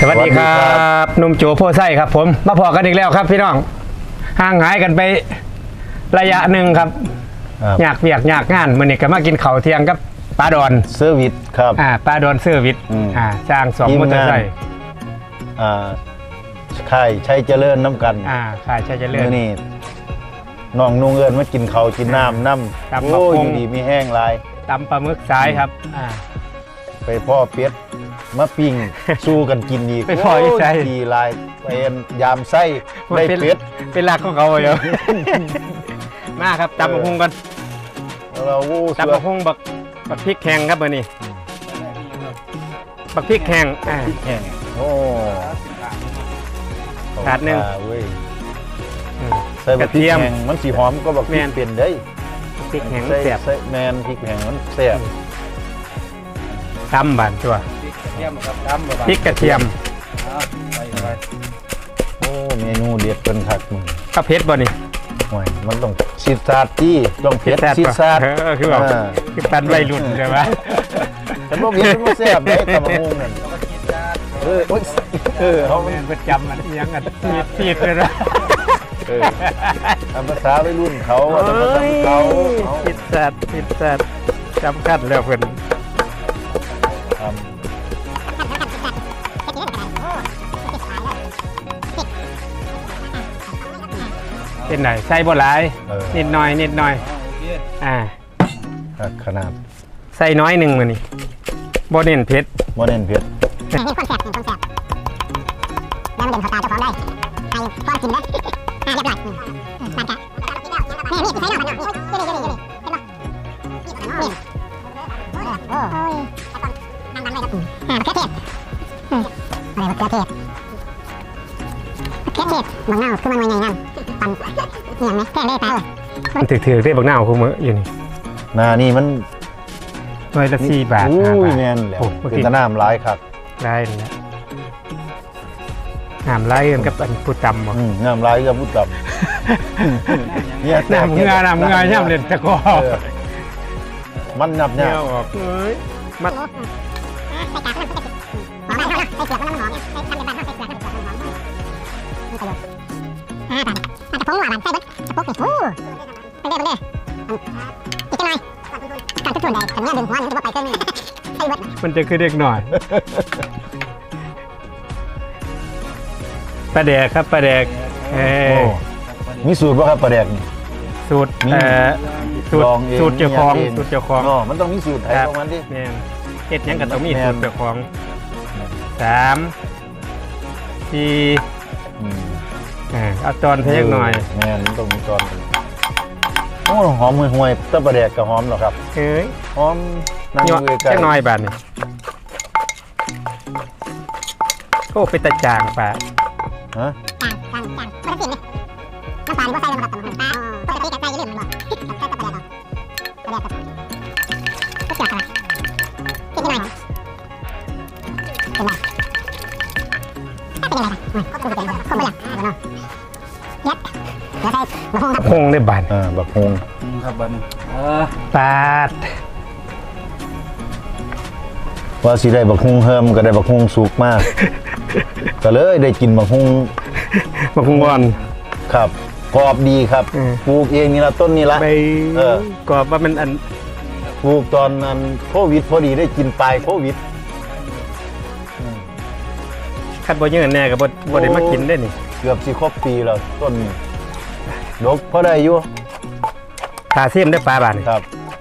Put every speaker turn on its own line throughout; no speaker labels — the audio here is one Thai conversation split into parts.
วัสดีครับหนุ่มโจโพไส้ครับผมมาพอกันอีกแล้วครับพี่น้องห่างหายกันไประยะหนึ่งครับอยากเวียกอยากงานมื้อนี้ก็มากินข้าวเที่ยงกับปลาดอน
เซอร์วิสครับ
ปลาดอนเซอร์วิสจ้าง2มอเตอร์ไซค์
ค่ายชัยเจริญน้ำกัน
ค่ายชัยเจริญ
นี่น้องนุ่งเอิญมากินข้าวกินน้ำโอ้ยดีมีแห้งลาย
ตำปลาหมึกสายครับ
ไปพ่อเป็ดมาปิ้งสู้กันกินอีก
ไปพ่ออีกใช่
ดีลายเป็นยามไส้ได้เป็ด
เป็นหลักของเขาเลยมาครับตำบักหุ่งกันตำบักหุ่งบักพริกแห้งครับเบอร์นี้บักพริกแห้ง
โอ้
ถาดหนึ่ง
ใส่บักพริกแห้งมันสีหอมก็บักพริกเปลี่ยนได้
พริกแห้งแซ่บ
แมนพริกแห้งมันแซ่บ
ตำบานตัวพริกกระเทียม
โอ้เมนูเด็ดเป็นผักมึง
ก็เผ็ดบ่นี่
มันต้องซีซาร์จี้ต้องเผ็ดซีซาร์
คือแบบคือปันไวรุ่นใช่ไหม
แต่พวกนี้มันแซ่บได้ตำบักหุ่งนั่น
เขาเป็นจำมันยังกันซีดเลยนะ
ภาษาวัยรุ่นเขา
ซีดสัตว์จำคัดแล้วเพื่อนเป็นไหนใส่บ่หลายนิดหน่อย
ขนาด
ใส่น้อยหนึ่งมานี่บ่เน้นเผ็ด
นี่คนแสบแล้วมันเด่นเขาตาเจ้าของได้ใครป้อนกินนะเรียบร้อยมากะนี่ใส่หน่อยนี่โอ้ยดังเลยครับมะเขือเทศอะไรมะเขือเทศบางหน้าคือมันไงนั่นปั่นอย่างไหมแค่เล่ตา
มันถือได้บางหน้าคู่มืออยู่นี่
นานี่มัน
หน่วยละ4 บาท
แม่นแหละเป็นตะน้ำร้ายครับ
ร้ายนี่น้ำร้ายกันกับอันผู้ตำ
น้ำร้ายกับผู้ตำ
น้ำเงาย่ำเล่นตะกอ
มันนับเนี่ย
มันมันจะคือเด็กหน่อยปลาแดกครับปลาแดก
มีสูตรป่ะครับปลาแดก
สูตรเจ้าของ
มันต้องมีสูตรไทยประมาณที่
เฮ็ดยังกันต้องมีสูตรเจ้าของ3 4เอาตอนเพียงหน่อย
แม่นต้องมีตอนโอ้หอมห่วยๆต้นปลาแดกกับหอมหรอครับหอม
นั่งอยู่ใกล้น้อยบาทนี่โอ้เป็นตะจางปะ
จางปกติเลยน้ำปลานี่ก็ใส่ลงกับตำหูปลาปกติกับใส่ยืดมันบอกกับปลาแดกก็เสียกันกินที่ไหนเป็นไรเป็นยังไงคงไม่อยากเนาะยัดเดี๋ยวใส่บักฮงครับ
ฮงได้บาท
บักฮง
ครับบัน
ปาด
ว่าสิได้บักฮุงเฮิมก็ได้บักฮุงสุกมากก็เลยได้กินบักฮุง
บอน
ครับกรอบดีครับปลูกเองนี่ละต้นนี่ละ
กรอบว่ามันอัน
ปลูกตอนนั้นโควิดพอดีได้กินปลายโควิด
คัดบ่ยืนแน่กับบ่ได้มากินได้นี่
เกือบสิครบปีแล้วต้นดกพอได้อยู่
ตาเสียมได้ปลาบาท
ครับ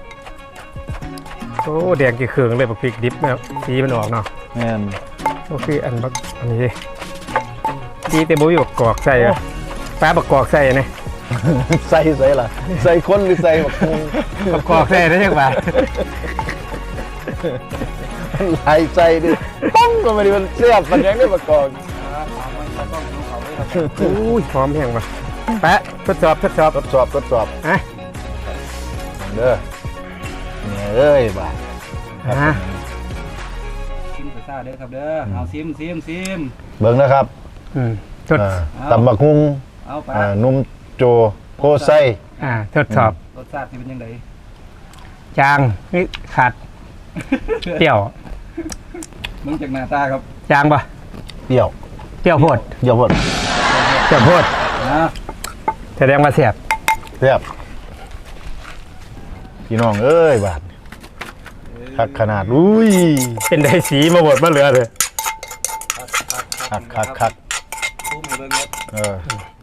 โอ้แดงกี่เครื่องเลยบักพริกดิบแล้วสีมันออกเนาะ
แม่น
โอ้คืออันนี้ดีแต่บ่มีบักกอกใส่ปลาบักกอกใส่เนี่ย
ใส่ล่ะใส่คนหรือใส่
บักกอกใส่ได้ยังไง
หายใจดิป้องก็ไม่ได้มันเสียบมันยังได้บักกอก
อุ้ยพร้อมแห้งป่ะแปะทดสอบ
เด้อเนี่ยเอ้ยบ่า
ชิมซ่าเด้อครับเด้อเอาซิม
เบิ่งนะครับตำบักหุ่งนุ่มโจโพไส้
ทดสอบ
รสชาติเป็นยังไง
จางนี่ขาดเปรี้ยว
มึงจากหน้าตาครับ
จางป่ะ
เปรี้ยว
เปรี้ยวโพด
เปรี้ยวหมด
เปรี้ยวโพด
นะ
แสดงว่าแซ่บ
แซ่บพี่น้องเอ้ยบาดคักขนาดอุ้ย
เป็นได้สีมาหมดมาเหลือเลย
คัก
ตู้หมูเรื่องนี้
เออ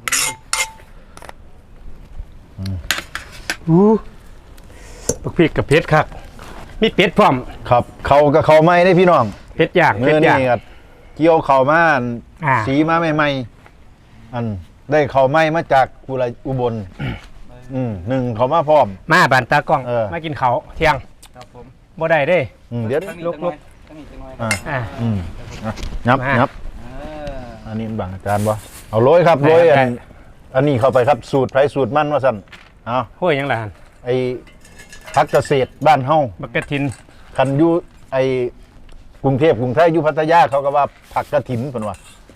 บักพริกกับเผ็ดคักมีเป็ดพร้อม
ครับเขากับเขาไม่ได้พี่น้อง
เผ็ดย่าง
เมื่
เผ็
อ
ดย่าง
นี่ก็เกี่ยวเขามาอัน
อ่า
สีมาใหม่ๆอันได้เขาไม่มาจากอุบลหนึ่งเขามาพร้อม
มาบานตากล้อง
เออ
มากินเขาวเที่ยง
ครับผม
บ่ได้เด้
เดี๋ยว
ตั้งนี้
ลุก
ตั้งนี้จังหน่อย
อ่า
อ่า
นับ
มา
นับ
เออ
อันนี้บางอาจารย์บ่เอาโรยครับโรย
ได้
อันนี้เข้าไปครับสูตรไผสูตรมันว่าสั่นเอา
ห้วยยังล่ะ
ไอ้พักเกษตรบ้านเฮา
บักกะทิน
คันอยู่ไอ้กรุงเทพกรุงไทยอยู่พัทยาเขาก็ว่าผักกระถินเพิ่นว่า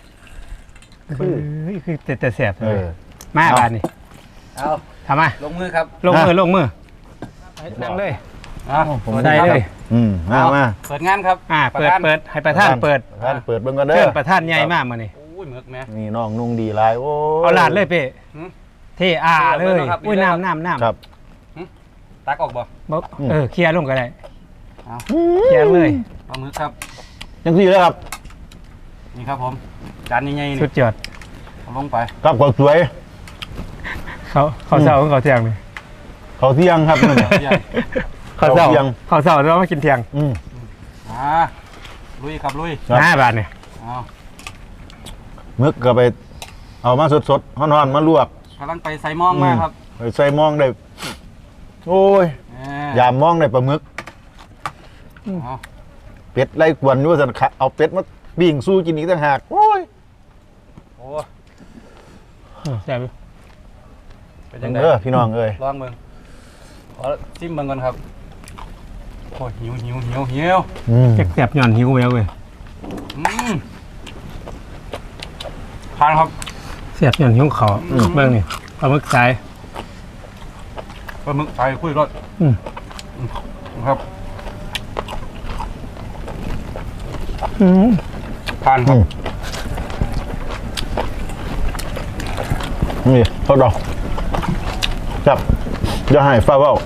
คือแต่แซ่บ
เออ
มา
เอา
บานนี่
เอา
ทำมา
ลงมือครับ
ลงมือ
อ่ะ
ลงมือนั่งเลย
ผม
ได้เลย
มา
เปิดงานครับ
เปิดให้ประธานเปิด
ท่านเปิดเบิ่งกันเด้
เชิ
อ
ญประธานใหญ่มากมื้อนี้
โอ้ยหมึกแม่
นี่น้องนุ่งดีหลายโอ้ย
เอาลาดเลยเป้
หืม
เท่อาเลย
ครับ
อุ้ย
ดีเลยครับ
น้ำ
ครับ
ตักออกบ่
บ่เคลียร์ลงก็ได้
เอา
เคลียร์เลย
ปลาหมึกครับ
จังซี่เลยครับ
นี่ครับผมจานใหญ่ๆ
สุ
นี่
ดยอด
เอาลงไป
ครับก็สวย
เขาเศร้าเขาเที่ยงนี่
เขาเที่ยงครับนั่นน่ะ
ใหญ่
เขาเศร้า
เขาเที่ยง
เขาเศร้าแล้วมากินเที่ยง
มาลุยครับลุย
ครับ
5 บาทเนี่ย
เอา
มึกก็ไปเอามาสดๆฮ้อนๆมาลวก
กำลังไปใส่หม้องมาครับ
ไปใส่มองได้โอ้ย ยามมองได้ปลาหมึก
เอา
เป็ดไล่กวนอยู่ว่าซั่นค่ะเอาเป็ดมาปิ้งสู้กินอีกต่างหากโอ้ย
โอ้
แซ่บอยู่
เป็นยังไง
พี่น้องเอ้ย
ลองเบิ่งขอจิ้มเบิ่งก่อนครับโอ้ยหิว
แซ่บๆย้อนหิวแววเว้ย
ทานครับ
แซ่บย้อนหิวเขาเบิ่งนี่ปลาหมึกสาย
ปลาหมึกใส่คุยรส
อืม
ครับ
อืม
ทานครับ
นี่ทอดดอกจับอย่าให้ฟ้าเว้า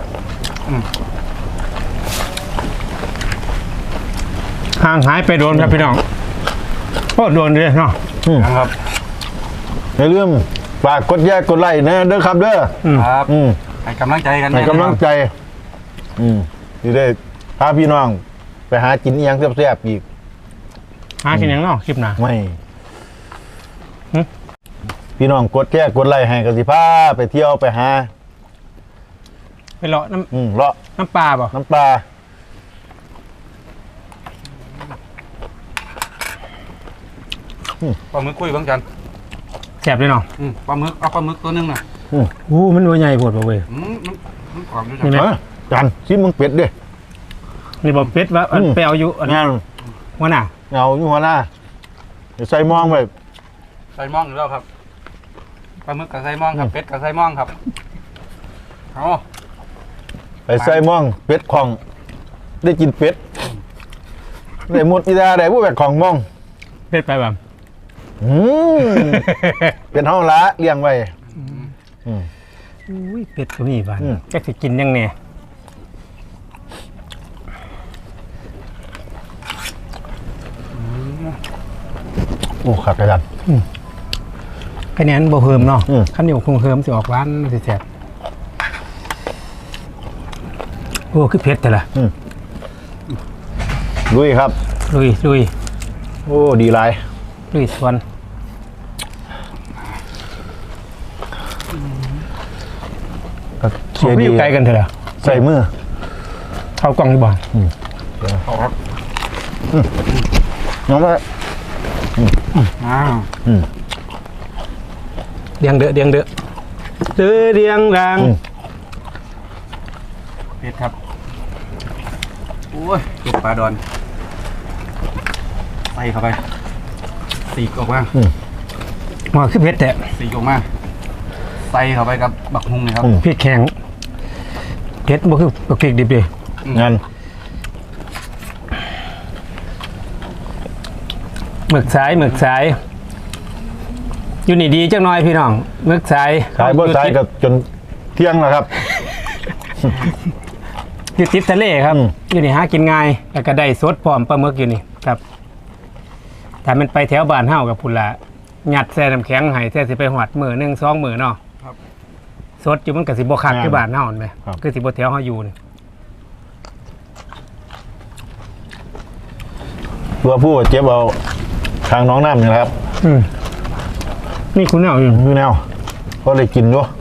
ห่างหายไปโดนครับพี่น้องโอ้โดนเลยเนาะ
ครับ
อย่าลืมฝากกดแยกกดไลค์นะเด้อครับเด้อ
ครับ
อืม
ให้กำลังใจกัน
ให้กำลังใจที่ได้พาพี่น้อง ไปหากินอิหยังแซ่บๆอีก
หากินหยังเนาะคลิปหน้า
ไม่
หึ
พี่น้องกดแยกกดไลค์ให้กันสิพาไปเที่ยวไปหา
ไปเลาะน้
เลาะ
ำน้ำปลาบ่
น้ำปลา
ปลาหมึกคุยเบิ่งจัน
แซ่บเลยเนาะ
ปลาหมึกเอาปลาหมึกตัวหนึงน่ะ
อู้มันตัวใหญ่โพดบ่เว้ย
มันกรอบอยู่
นี่
จัง
ไหม
จันชิมมึงเป็ดดิ
นี่บ่เป็ดว่าอัน
อืม
ไปเอาอยู่อัน
งาน
หัวหน้า
เงาอยู่หัวหน้าเดี๋ยวใส่มองไป
ใส่หม่องอยู่แล้วครับปลาหมึกกับใส่หม่องครับเป็ดกับใส่หม่องครับเอา
ไปใส่มองเป็ดของ ได้กินเป็ดได้หมดอีดาได้ผู้แบกของมอง
เป็ดไปบ่
เป็นห้องละเลี้ยงไว้
อุ้ยเป็ดก็มีบ้าน
อืม
จักสิกินยังแน่
โอ้ขัดกระดัน
คะแนนบ่เพิ่มเนาะ
อืม
คันนี้คงเพิ่มสิออกหวานสิแซ่บโอ้คือเผ็ดแต่ละ
ลุยครับ
ลุย
โอ้ดีหลาย
ลุยสวน
เชียร์
อ
ดี
ยู่ไกลกันเถอะล่ะ
ใส่มือ
เข้ากล่องดีบ่
เอาครับ
น้องว่า
อ้าว
เดียงเด้อเดียงเด้อเดียงดัง
เป็ดครับโอ้ยเป็ดปลาดอนใส่เข้าไปสีกออกมา
ว่าคือเผ็ดแต่
สีกออกมาใส่เข้าไปกับบักฮุงนี่ครับ
พริกแข็งเผ็ดบ่คือบักพริกดิบเด้
งาน
หมึกสายอยู่นี่ดีจังน้อยพี่น้องหมึกสาย
ขายบ่สายกับจนเที่ยงแล้วครับ
อยู่ติดทะเลครับ
อืม
อยู่นี่หากินง่ายแล้วก็ได้สดพร้อมปลาหมึกอยู่นี่ครับถ้ามันไปแถวบ้านเฮากับพุ่นละหยัดแช่น้ำแข็งให้แท้สิไปหอดมื้อ1 2มื้อเนาะ
ครับ
สดอยู่มันก็สิบ่คักคือบ้านเฮานั่นแหม
ครับ
คือสิบ่แถวเฮาอยู่นี่
ตัวผู้เจ็บเอาทางน้องน้ำนี่แหละครับ
นี่คุณเอาอยู่
พี่แนวก็เลยกินด้วย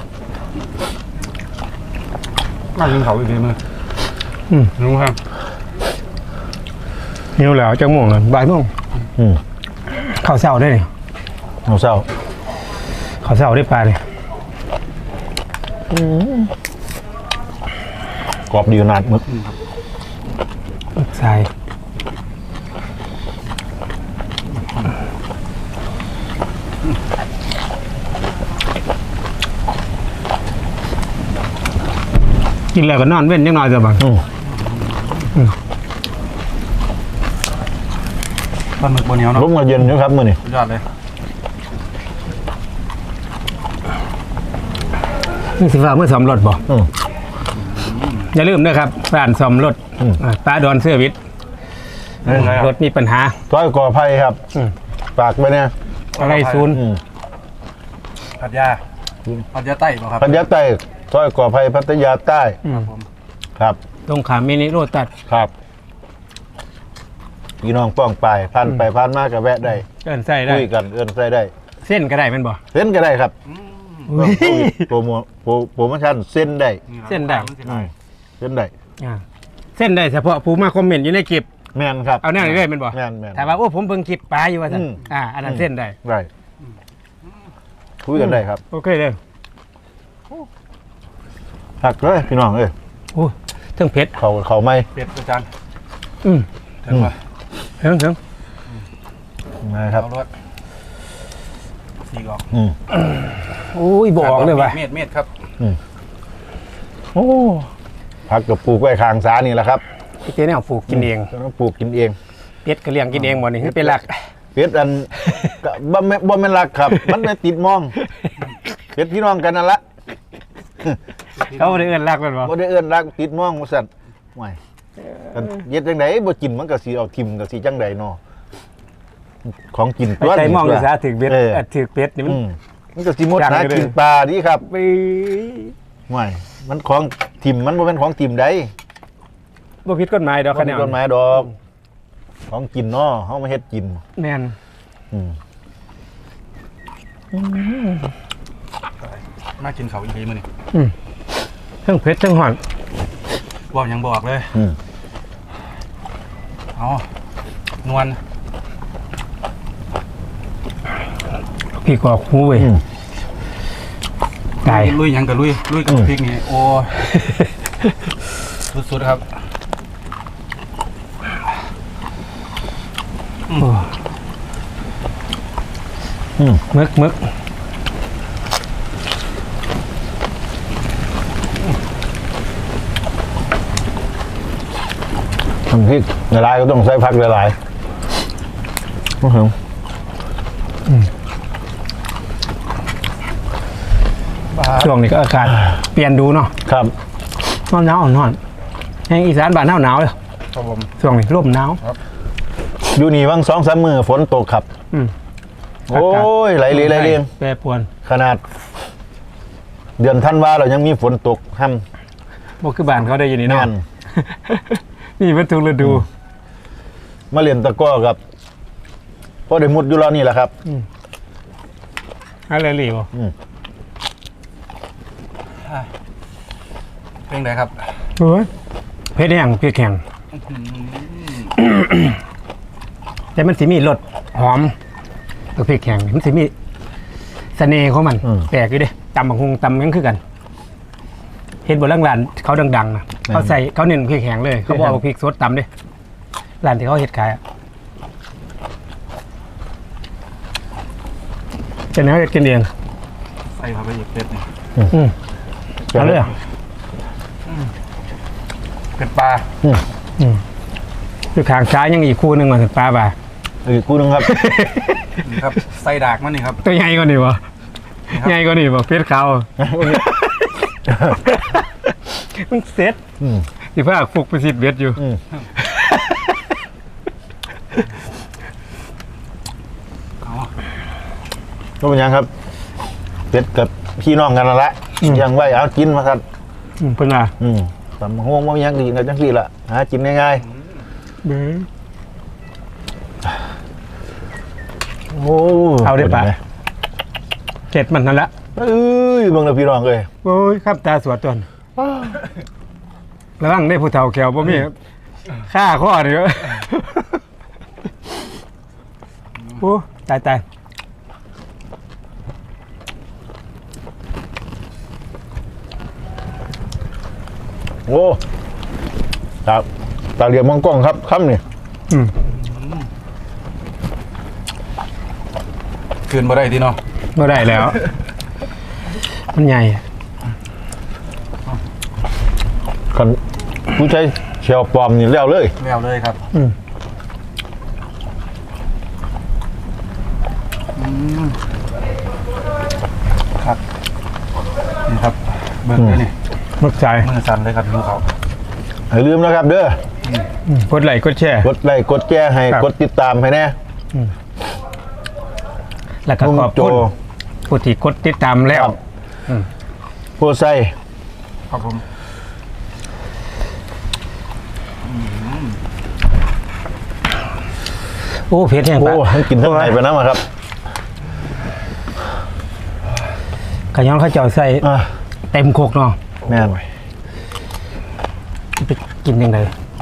น่ากินเขาอีกทีมึงรู้ครับ
หิวแล้วจังโมงแล้วบ่ายโมง
อืม
ข้าวเช้าได้นี่
เอาเศร้า
ข้าวเช้าได้ปลานี่
กรอบดีขนาดมึก
หมึกสายกินแล้วก็นอนเว้นจังน้อยจ้ะบัง
ปลาหมึกบนเหนียวเนาะ
ลมก็เย็นอยู่ครับมื้อนี้
สุดยอดเลย
นี่สิฟ้าเมื่อซ่อมรถบ่
อืม
อย่าลืมนะครับร้านซ่อมรถ
อืม
ป้าดอนเสื้อวิทย์รถมีปัญหา
ต้อยก่อไผ่ครับ
อืม
ฝากไปเนี่ย
อะไรศูนย์
อืม
พัทยาใต้ป่ะครับ
พัทยาใต้ต้อยก่อไผ่พัทยาใต้
ผม
ครับ
ตรงขามมินิโรตัส
ครับพี่น้องป้องไปผ่านไปผ่านมาก็แวะได้
เอินใส่ได้
คุยกันเอื้อนใส่ได้
เส้นก็ได้แมันบ่
เส้นก็ได้ครับ
อุ้ย
โปรโมชั่นเส้นได้
เส้นได้
อืมเส้นได้
อ่าเส้นได้เฉพาะผู้มาคอมเมนต์อยู่ในคลิป
แมนครับ
เอาแน่เลยแมันบ่
แมนแมน
ถามว่าโอ้ผมเบิ่งคลิปป้าอยู่ว่าซั่น
อืม
อันนั้นเส้นได้
ได้คุยกันได้ครับ
โอเคเลย
หักเลยพี่น้องเอ้ย
โอ้ถึงเผ็ด
เขาไม่
เป็ดอาจารย์
อืม
ถึงป่ะ
ถึง
นะครับ
เอารถสี่กอก
อืม
โอ้ยบอกเลยว่า
เม็ดครับ
โอ้
ผักกับปลูกไว้ข้างสานี่แหละครับ
พี่เจ๊เนี่ยปลูกกินเอง
ต้องปลูกกินเอง
เป็ดก็เลี้ยงกินเองบ่นี่คือเป็นหลัก
เป็ดอัน ก็บ่แม่นรักครับ มันไม่ติดมองเป็ดพี่น้องกันนั่นละ
เขาบ่ได้เอิ้นหลักแม่นบ่
บ่ได้เอื้อนรักติดมองว่าซั่นห่วยกันเฮ็ดจังไดบ่กินมันก็สิเอาทิ่มก็สิจังไดเนาะของกิน
ไปใจมองอยู่ซะถึงเบ็ด
เออ
ถึงเป็ดนี่มัน
มันก็สิหมด
จัง
หา
เลย
กินปลาดีครับ
ไป
ห่วยมันของทิ่มมันบ่แม่นของทิ่มใด
บ่ผิดกฎหมายดอก
บ่
คะแน
มี
น
กฎหมายดอก ของกินเนาะเฮามาเฮ็ดกิน
แม่น
อืม
มากินเขาอีกทีมื้อนี้
ทั้งเผ็ดทั้งหอน
บอกยังบอกเลย
อืม
อ๋อ นวล
พี่กอกหูเว้ย
อืม
ตาย
ลุยยังกับลุยกับพริกนี่โอ้ สุดๆครับ
มึก
ทำพริกละลายก็ต้องใส่ผักละลายโอ้โห
ช่วงนี้ก็อากาศเปลี่ยนดูเนาะ
ครับ
หนาวอ่อนแห่งอีสานบ้านหนาวเลย
ครับผม
ช่วงนี้ร่มหนาว
อยู่นี่วัง2-3 มื้อฝนตกครับ
อืม
โอ้ยไหลเรียง
แปรปรวน
ขนาด เดือนธันวาเรายังมีฝนตกห้ำ
บ่คือบ้านเขาได้อยู่นี่เนาะ
แน่น
นี่เป็นทุกฤดู
มาเรียนตะกร้อครับพอได้มุดอยู่แล้วนี่แหละครับ
อะไรหลีบ่
เป็นไงครับ
โอ้ยเผ็ดแห้งเผ็ดแข็งแต่มันสิมีรสหอมกับเผ็ดแข็งมันสิมีเสน่ห์ของมัน แปลกอยู่เด้ตำบักฮุงตำยังคือกันเห็นบนร้านร้านเขาดังๆนะเขาใส่เขาเน้นพริกแห้งเลย เขาบอกเอาพริกสดตำเด้ร้านที่เขาเฮ็ดขายอะจะเนื้อเฮ็ดกินเอง
ใส่เข้าไปอีกเป็ดนี่
เอาเลยอะ
เป็ดปลา
คือขางซ้ายยังอีกคู่หนึ่งมาถึงปลาบ่า
อีกคู่หนึงครับ
นี่ครับใส่ดากมันนี่ครับ
ตัวใหญ่กว่านี่บ่
นี่ครับ
ใหญ่กว่านี่บ่เพชรขาวมันเซ็ต
อืม
สิพาฟุกไปสิเบ็ดอยู่
อืม
เอา
ก็เป็นยังครับเป็ดกับพี่น้องกันนั่นแหละยังไว้เอากินมาครับ
เพิ่นว่า
ตำห้วงว่ายังดีกันจังซี่ละหากินง่าย
เบ้อ
ๆโอ้
เอาได้ปะ เจ็ดมันนั่นละ
เอ้ยเบิ่งแล้วพี่น้องเลย
โอ้ยครับตาสวดตนระวังได้ผู้เฒ่าแขวบ่มีค่าข้อเด้อโอ้ตาย
โอ้ครับตาเหลียมมองกล้องครับค่ำนี่
คืนบ่ได้ทีเนาะ
บ่ได้แล้ว มันใหญ่
คันผู้ใช้เชลปลอมนี่แล้วเลย
แล้วเลยครับครับนี่ครับเบิ่งเลยนี่
มักใจ
มือสั่นเลยครับดูเขา
อย่าลืมนะครับเด้อก
ดไลค์กดแชร์
กดไลค์กดแชร์ให้
ครับ
กดติดตามให้แน่
แล้วก็
นุ่ม
ขอบ
โจ
คุณผู้ที่กดติดตามแล้ว
ครับ โพไซ
ครับผม
โอ้เพชรแห้ง
โอ้
ปะ
ให้กินทั้งไหนไปน้ำอะครับ
ขย้อนข้าวเจ้าใส่
อ่ะ
เต็มโคกเนาะ
แม่น
ไปกินยังไง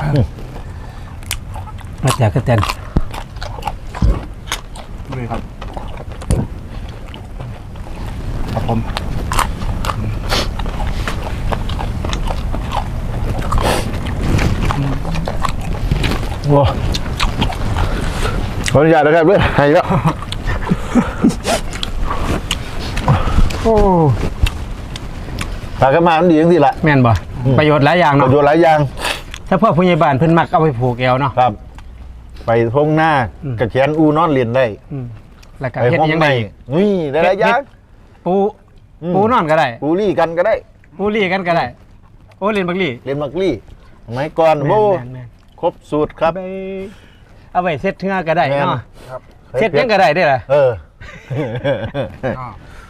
มาจากกระเตน
ด้วยครับครับผม
โอ้ขออนุญาตนะครับด้วยให้แล้ว
โอ้
ปากกระมามันดีจังสิละ
แม่นบ่ประโยชน์หลายอย่าง
ป
เนาะ
ระโยชน์หลายอย่าง
ถ้าพ่อผู้ใหญ่บ้านเพิ่นมักเอาไปผูกแอวเนาะ
ครับ ไปทงหน้า กระแขนอูนอนเรียนได้
แล้วก็
ไป
เฮ็ด
ห้อง
ยัง
ใน
ไง
นี่ได้หลายอย่าง
ปู
อืม
ปูนอนก็ได้
ปูรี่กันก็ได้
ปูลี่กันก็ได้ โอ้เล่นบักลี่
เรียนมักลี่สมัยก่อน
แม่น
โอ้
แม่น
ครบสูตรครับ
เอาไปเซ็ตเทื่อก็ได้
แม่น
เนาะ
ครับ
เซ็ตยังก็ได้เด้อล่ะ
เออ
ก็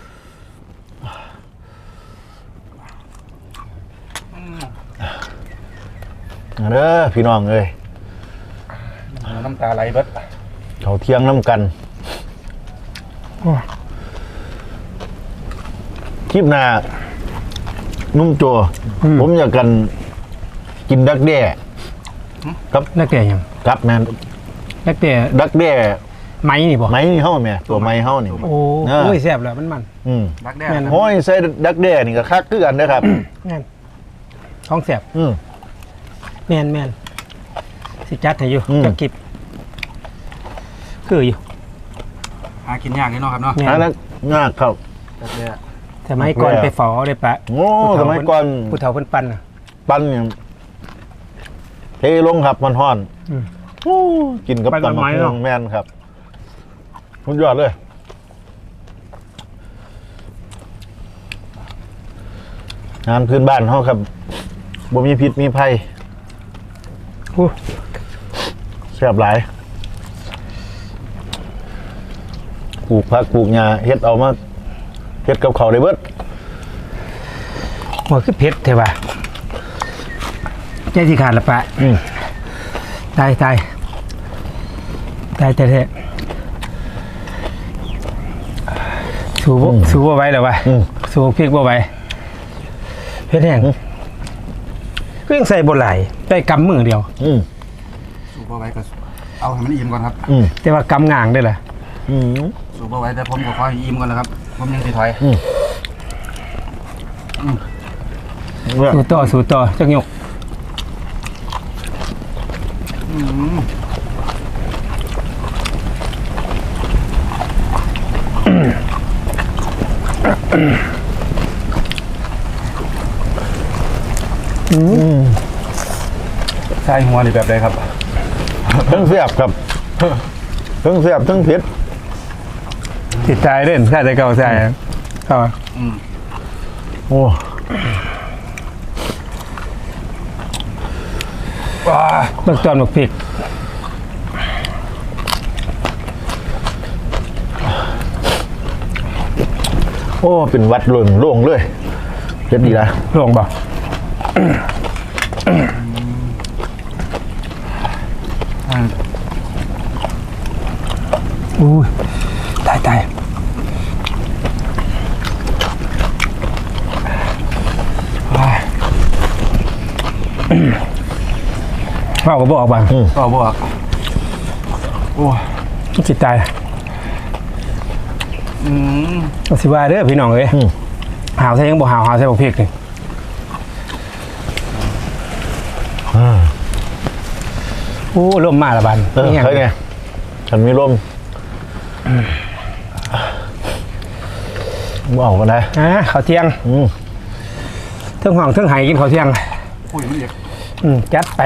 เด้อพี่น้องเอ้ย
น้ำตาไหลเบิด
เขาเที่ยงน้ำกันคลิปหน้านุ่มโจ ผมอยากกันกินดักแด้ครับ
นักเตะยัง
ครับแมน
นักเตะ
ดักแด้
ไม้นี่บ่
ไม้นี่เฮ้าแม่ตัวไม้เฮ้านี่
โอ้
เออ
โอ้ยแซ่บแล้วมัน
อืม
รักแด้
แม่น
โอ้ยใส่ดักแด้นี่ก็คักคือกันนะครับ
นั่นท้องแซ่บ
อืม
แม่นสิจัดให้อยู่
อืม
จักกิบคืออยู่
หากินยากนี่เนาะครับเนาะ
แม่
อัน
น
นั้นง่ายครับ
รักแด้
สมัยก่อนไปฝอได้ปะ
โอ้สมัยก่อน
ผู้เฒ่าเพิ่นปั่นน่ะ
ปั้นเนี่ยเทลงครับมันห่อน
อืม
โอ้กินกับ
ปั้นกับ
ตำ
ไม้
มะ
เน
ม่ว
อะ
งแม่นครับสุดยอดเลย งานพื้นบ้านเขาครับบ่มีพิษมีภัย
โอ้
แซ่บหลายปลูกผักปลูกหญ้าเฮ็ดเอามาเฮ็ดกับเขาวได้เบิด
หัวคือเผ็ดแท้ว่ะใจสิขาดละปะ ตายแท้สู้บ่ไหวแล้ววะ
อืม
สู้พริกบ่ไหวเผ็ดแห้งก็ยังใส่บ่หลายได้กำมือเดียว
อืม
สูบเอาไว้ก็เอาให้มันอิ่มก่อนครับ
อืม
แต่ว่ากำง่างได้ล่ะ
อืม
สูบเอาไว้แต่ผมก็ขอให้อิ่มก่อนนะครับผมยังสิถอย
เนี่ย
สู้ต่อจักยก
ใช่หัวนี่แบบใดครับ
ทั้งแซ่บครับทั้งแซ่บทั้งเผ็ด
ติดใจเล่นใช่ใจเก่าใช่เข้า
โอ้
ว้า
เบิกตอนหมกพริก
โอ้เป็นวัดโล่งเลยเผ็ดดีนะ
ลงบ่อุ้ยตายว่าก็บอกบ้าง
ก็บอกโอ้
จิตใจ สิว่าเด้อพี่น้องเอ้ยหาวใส่ยังบ่หาวใส่บ่พริกนี่โอ้ลมมาละบัน
ใช่ไงฉันมีลมบอกกันนะ
ข้าวเที่ยงเทิงห้องเทิงไหกินข้าวเที่ยง
คุยไม่เด็ก
จัดไป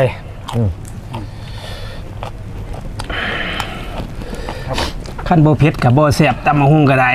ขั้นบ่เผ็ดกับบ่แซ่บตำมะฮุ่งก็ได้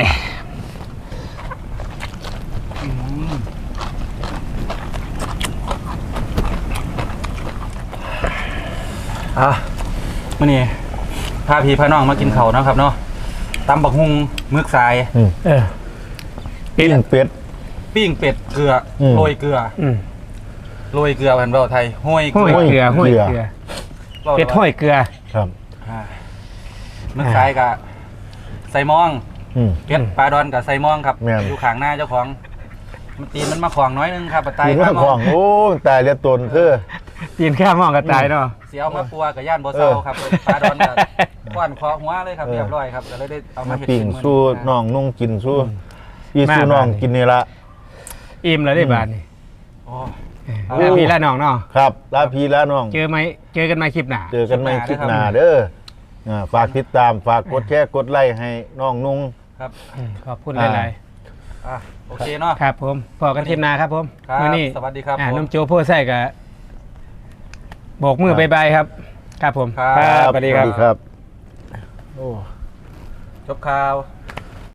มื่อนี้พาพี่พาน้องมากินเขาวเนาะครับเนาะตำบักฮุงมึกทราย
ปิ้งเป็ด
ปิ้งเป็ดเกลือโรยเกลือโรยเกลือพันเบาไทยห้อยเก
ห้อย
ลือ
เกลือห้อยเกลือเป็ดห้อยเกลือ
ครับ
มึกทรายกับใส่มอง เป็ดปลาดอนกับใส่มองครับ
แม่น
อยู่ข้างหน้าเจ้าของมันตีนมันมาขวางน้อยนึงครับปลาไต
กิน
ป
ข้า
ลาว ม
ข
อ
อง งโอ้ตายเรียตนคือ
ตีนข้ามองก็ตายเนาะ
เสียเอามาปัวกับย่านโบเซาครับปลาดอนกับก้อนคอหัวเลยครับเรียบร้อยครับก็เลยได้เอามา
มา
เห็ด
ปิ้ง
เป็นมื้อ
สู้น้องนุ่งกินสู้อีสู้น้องกินนี่ละ
อิ่มแล้วได้บาดนี่
โอ้
แล้วพี่ละน้องเนาะ
ครับลาพี่ลาน้อง
เจอกันไหมคลิปหน้า
เจอกันในคลิปหน้าเด้อฝากติดตามฝากกดแชร์กดไลค์ให้น้องนุ่ง
ครับ
ขอบคุณหลาย
โอเคเนาะ
ๆครับผมพอกันคลิปหน้าครับผม
ครับ
มื้อนี้
สวัสดีครับผม
น้ำโจโพไส้กับโบกมือบายบายครับ ครับผม
ครับ
สวัสดีครับ
ครับ
จบข่าว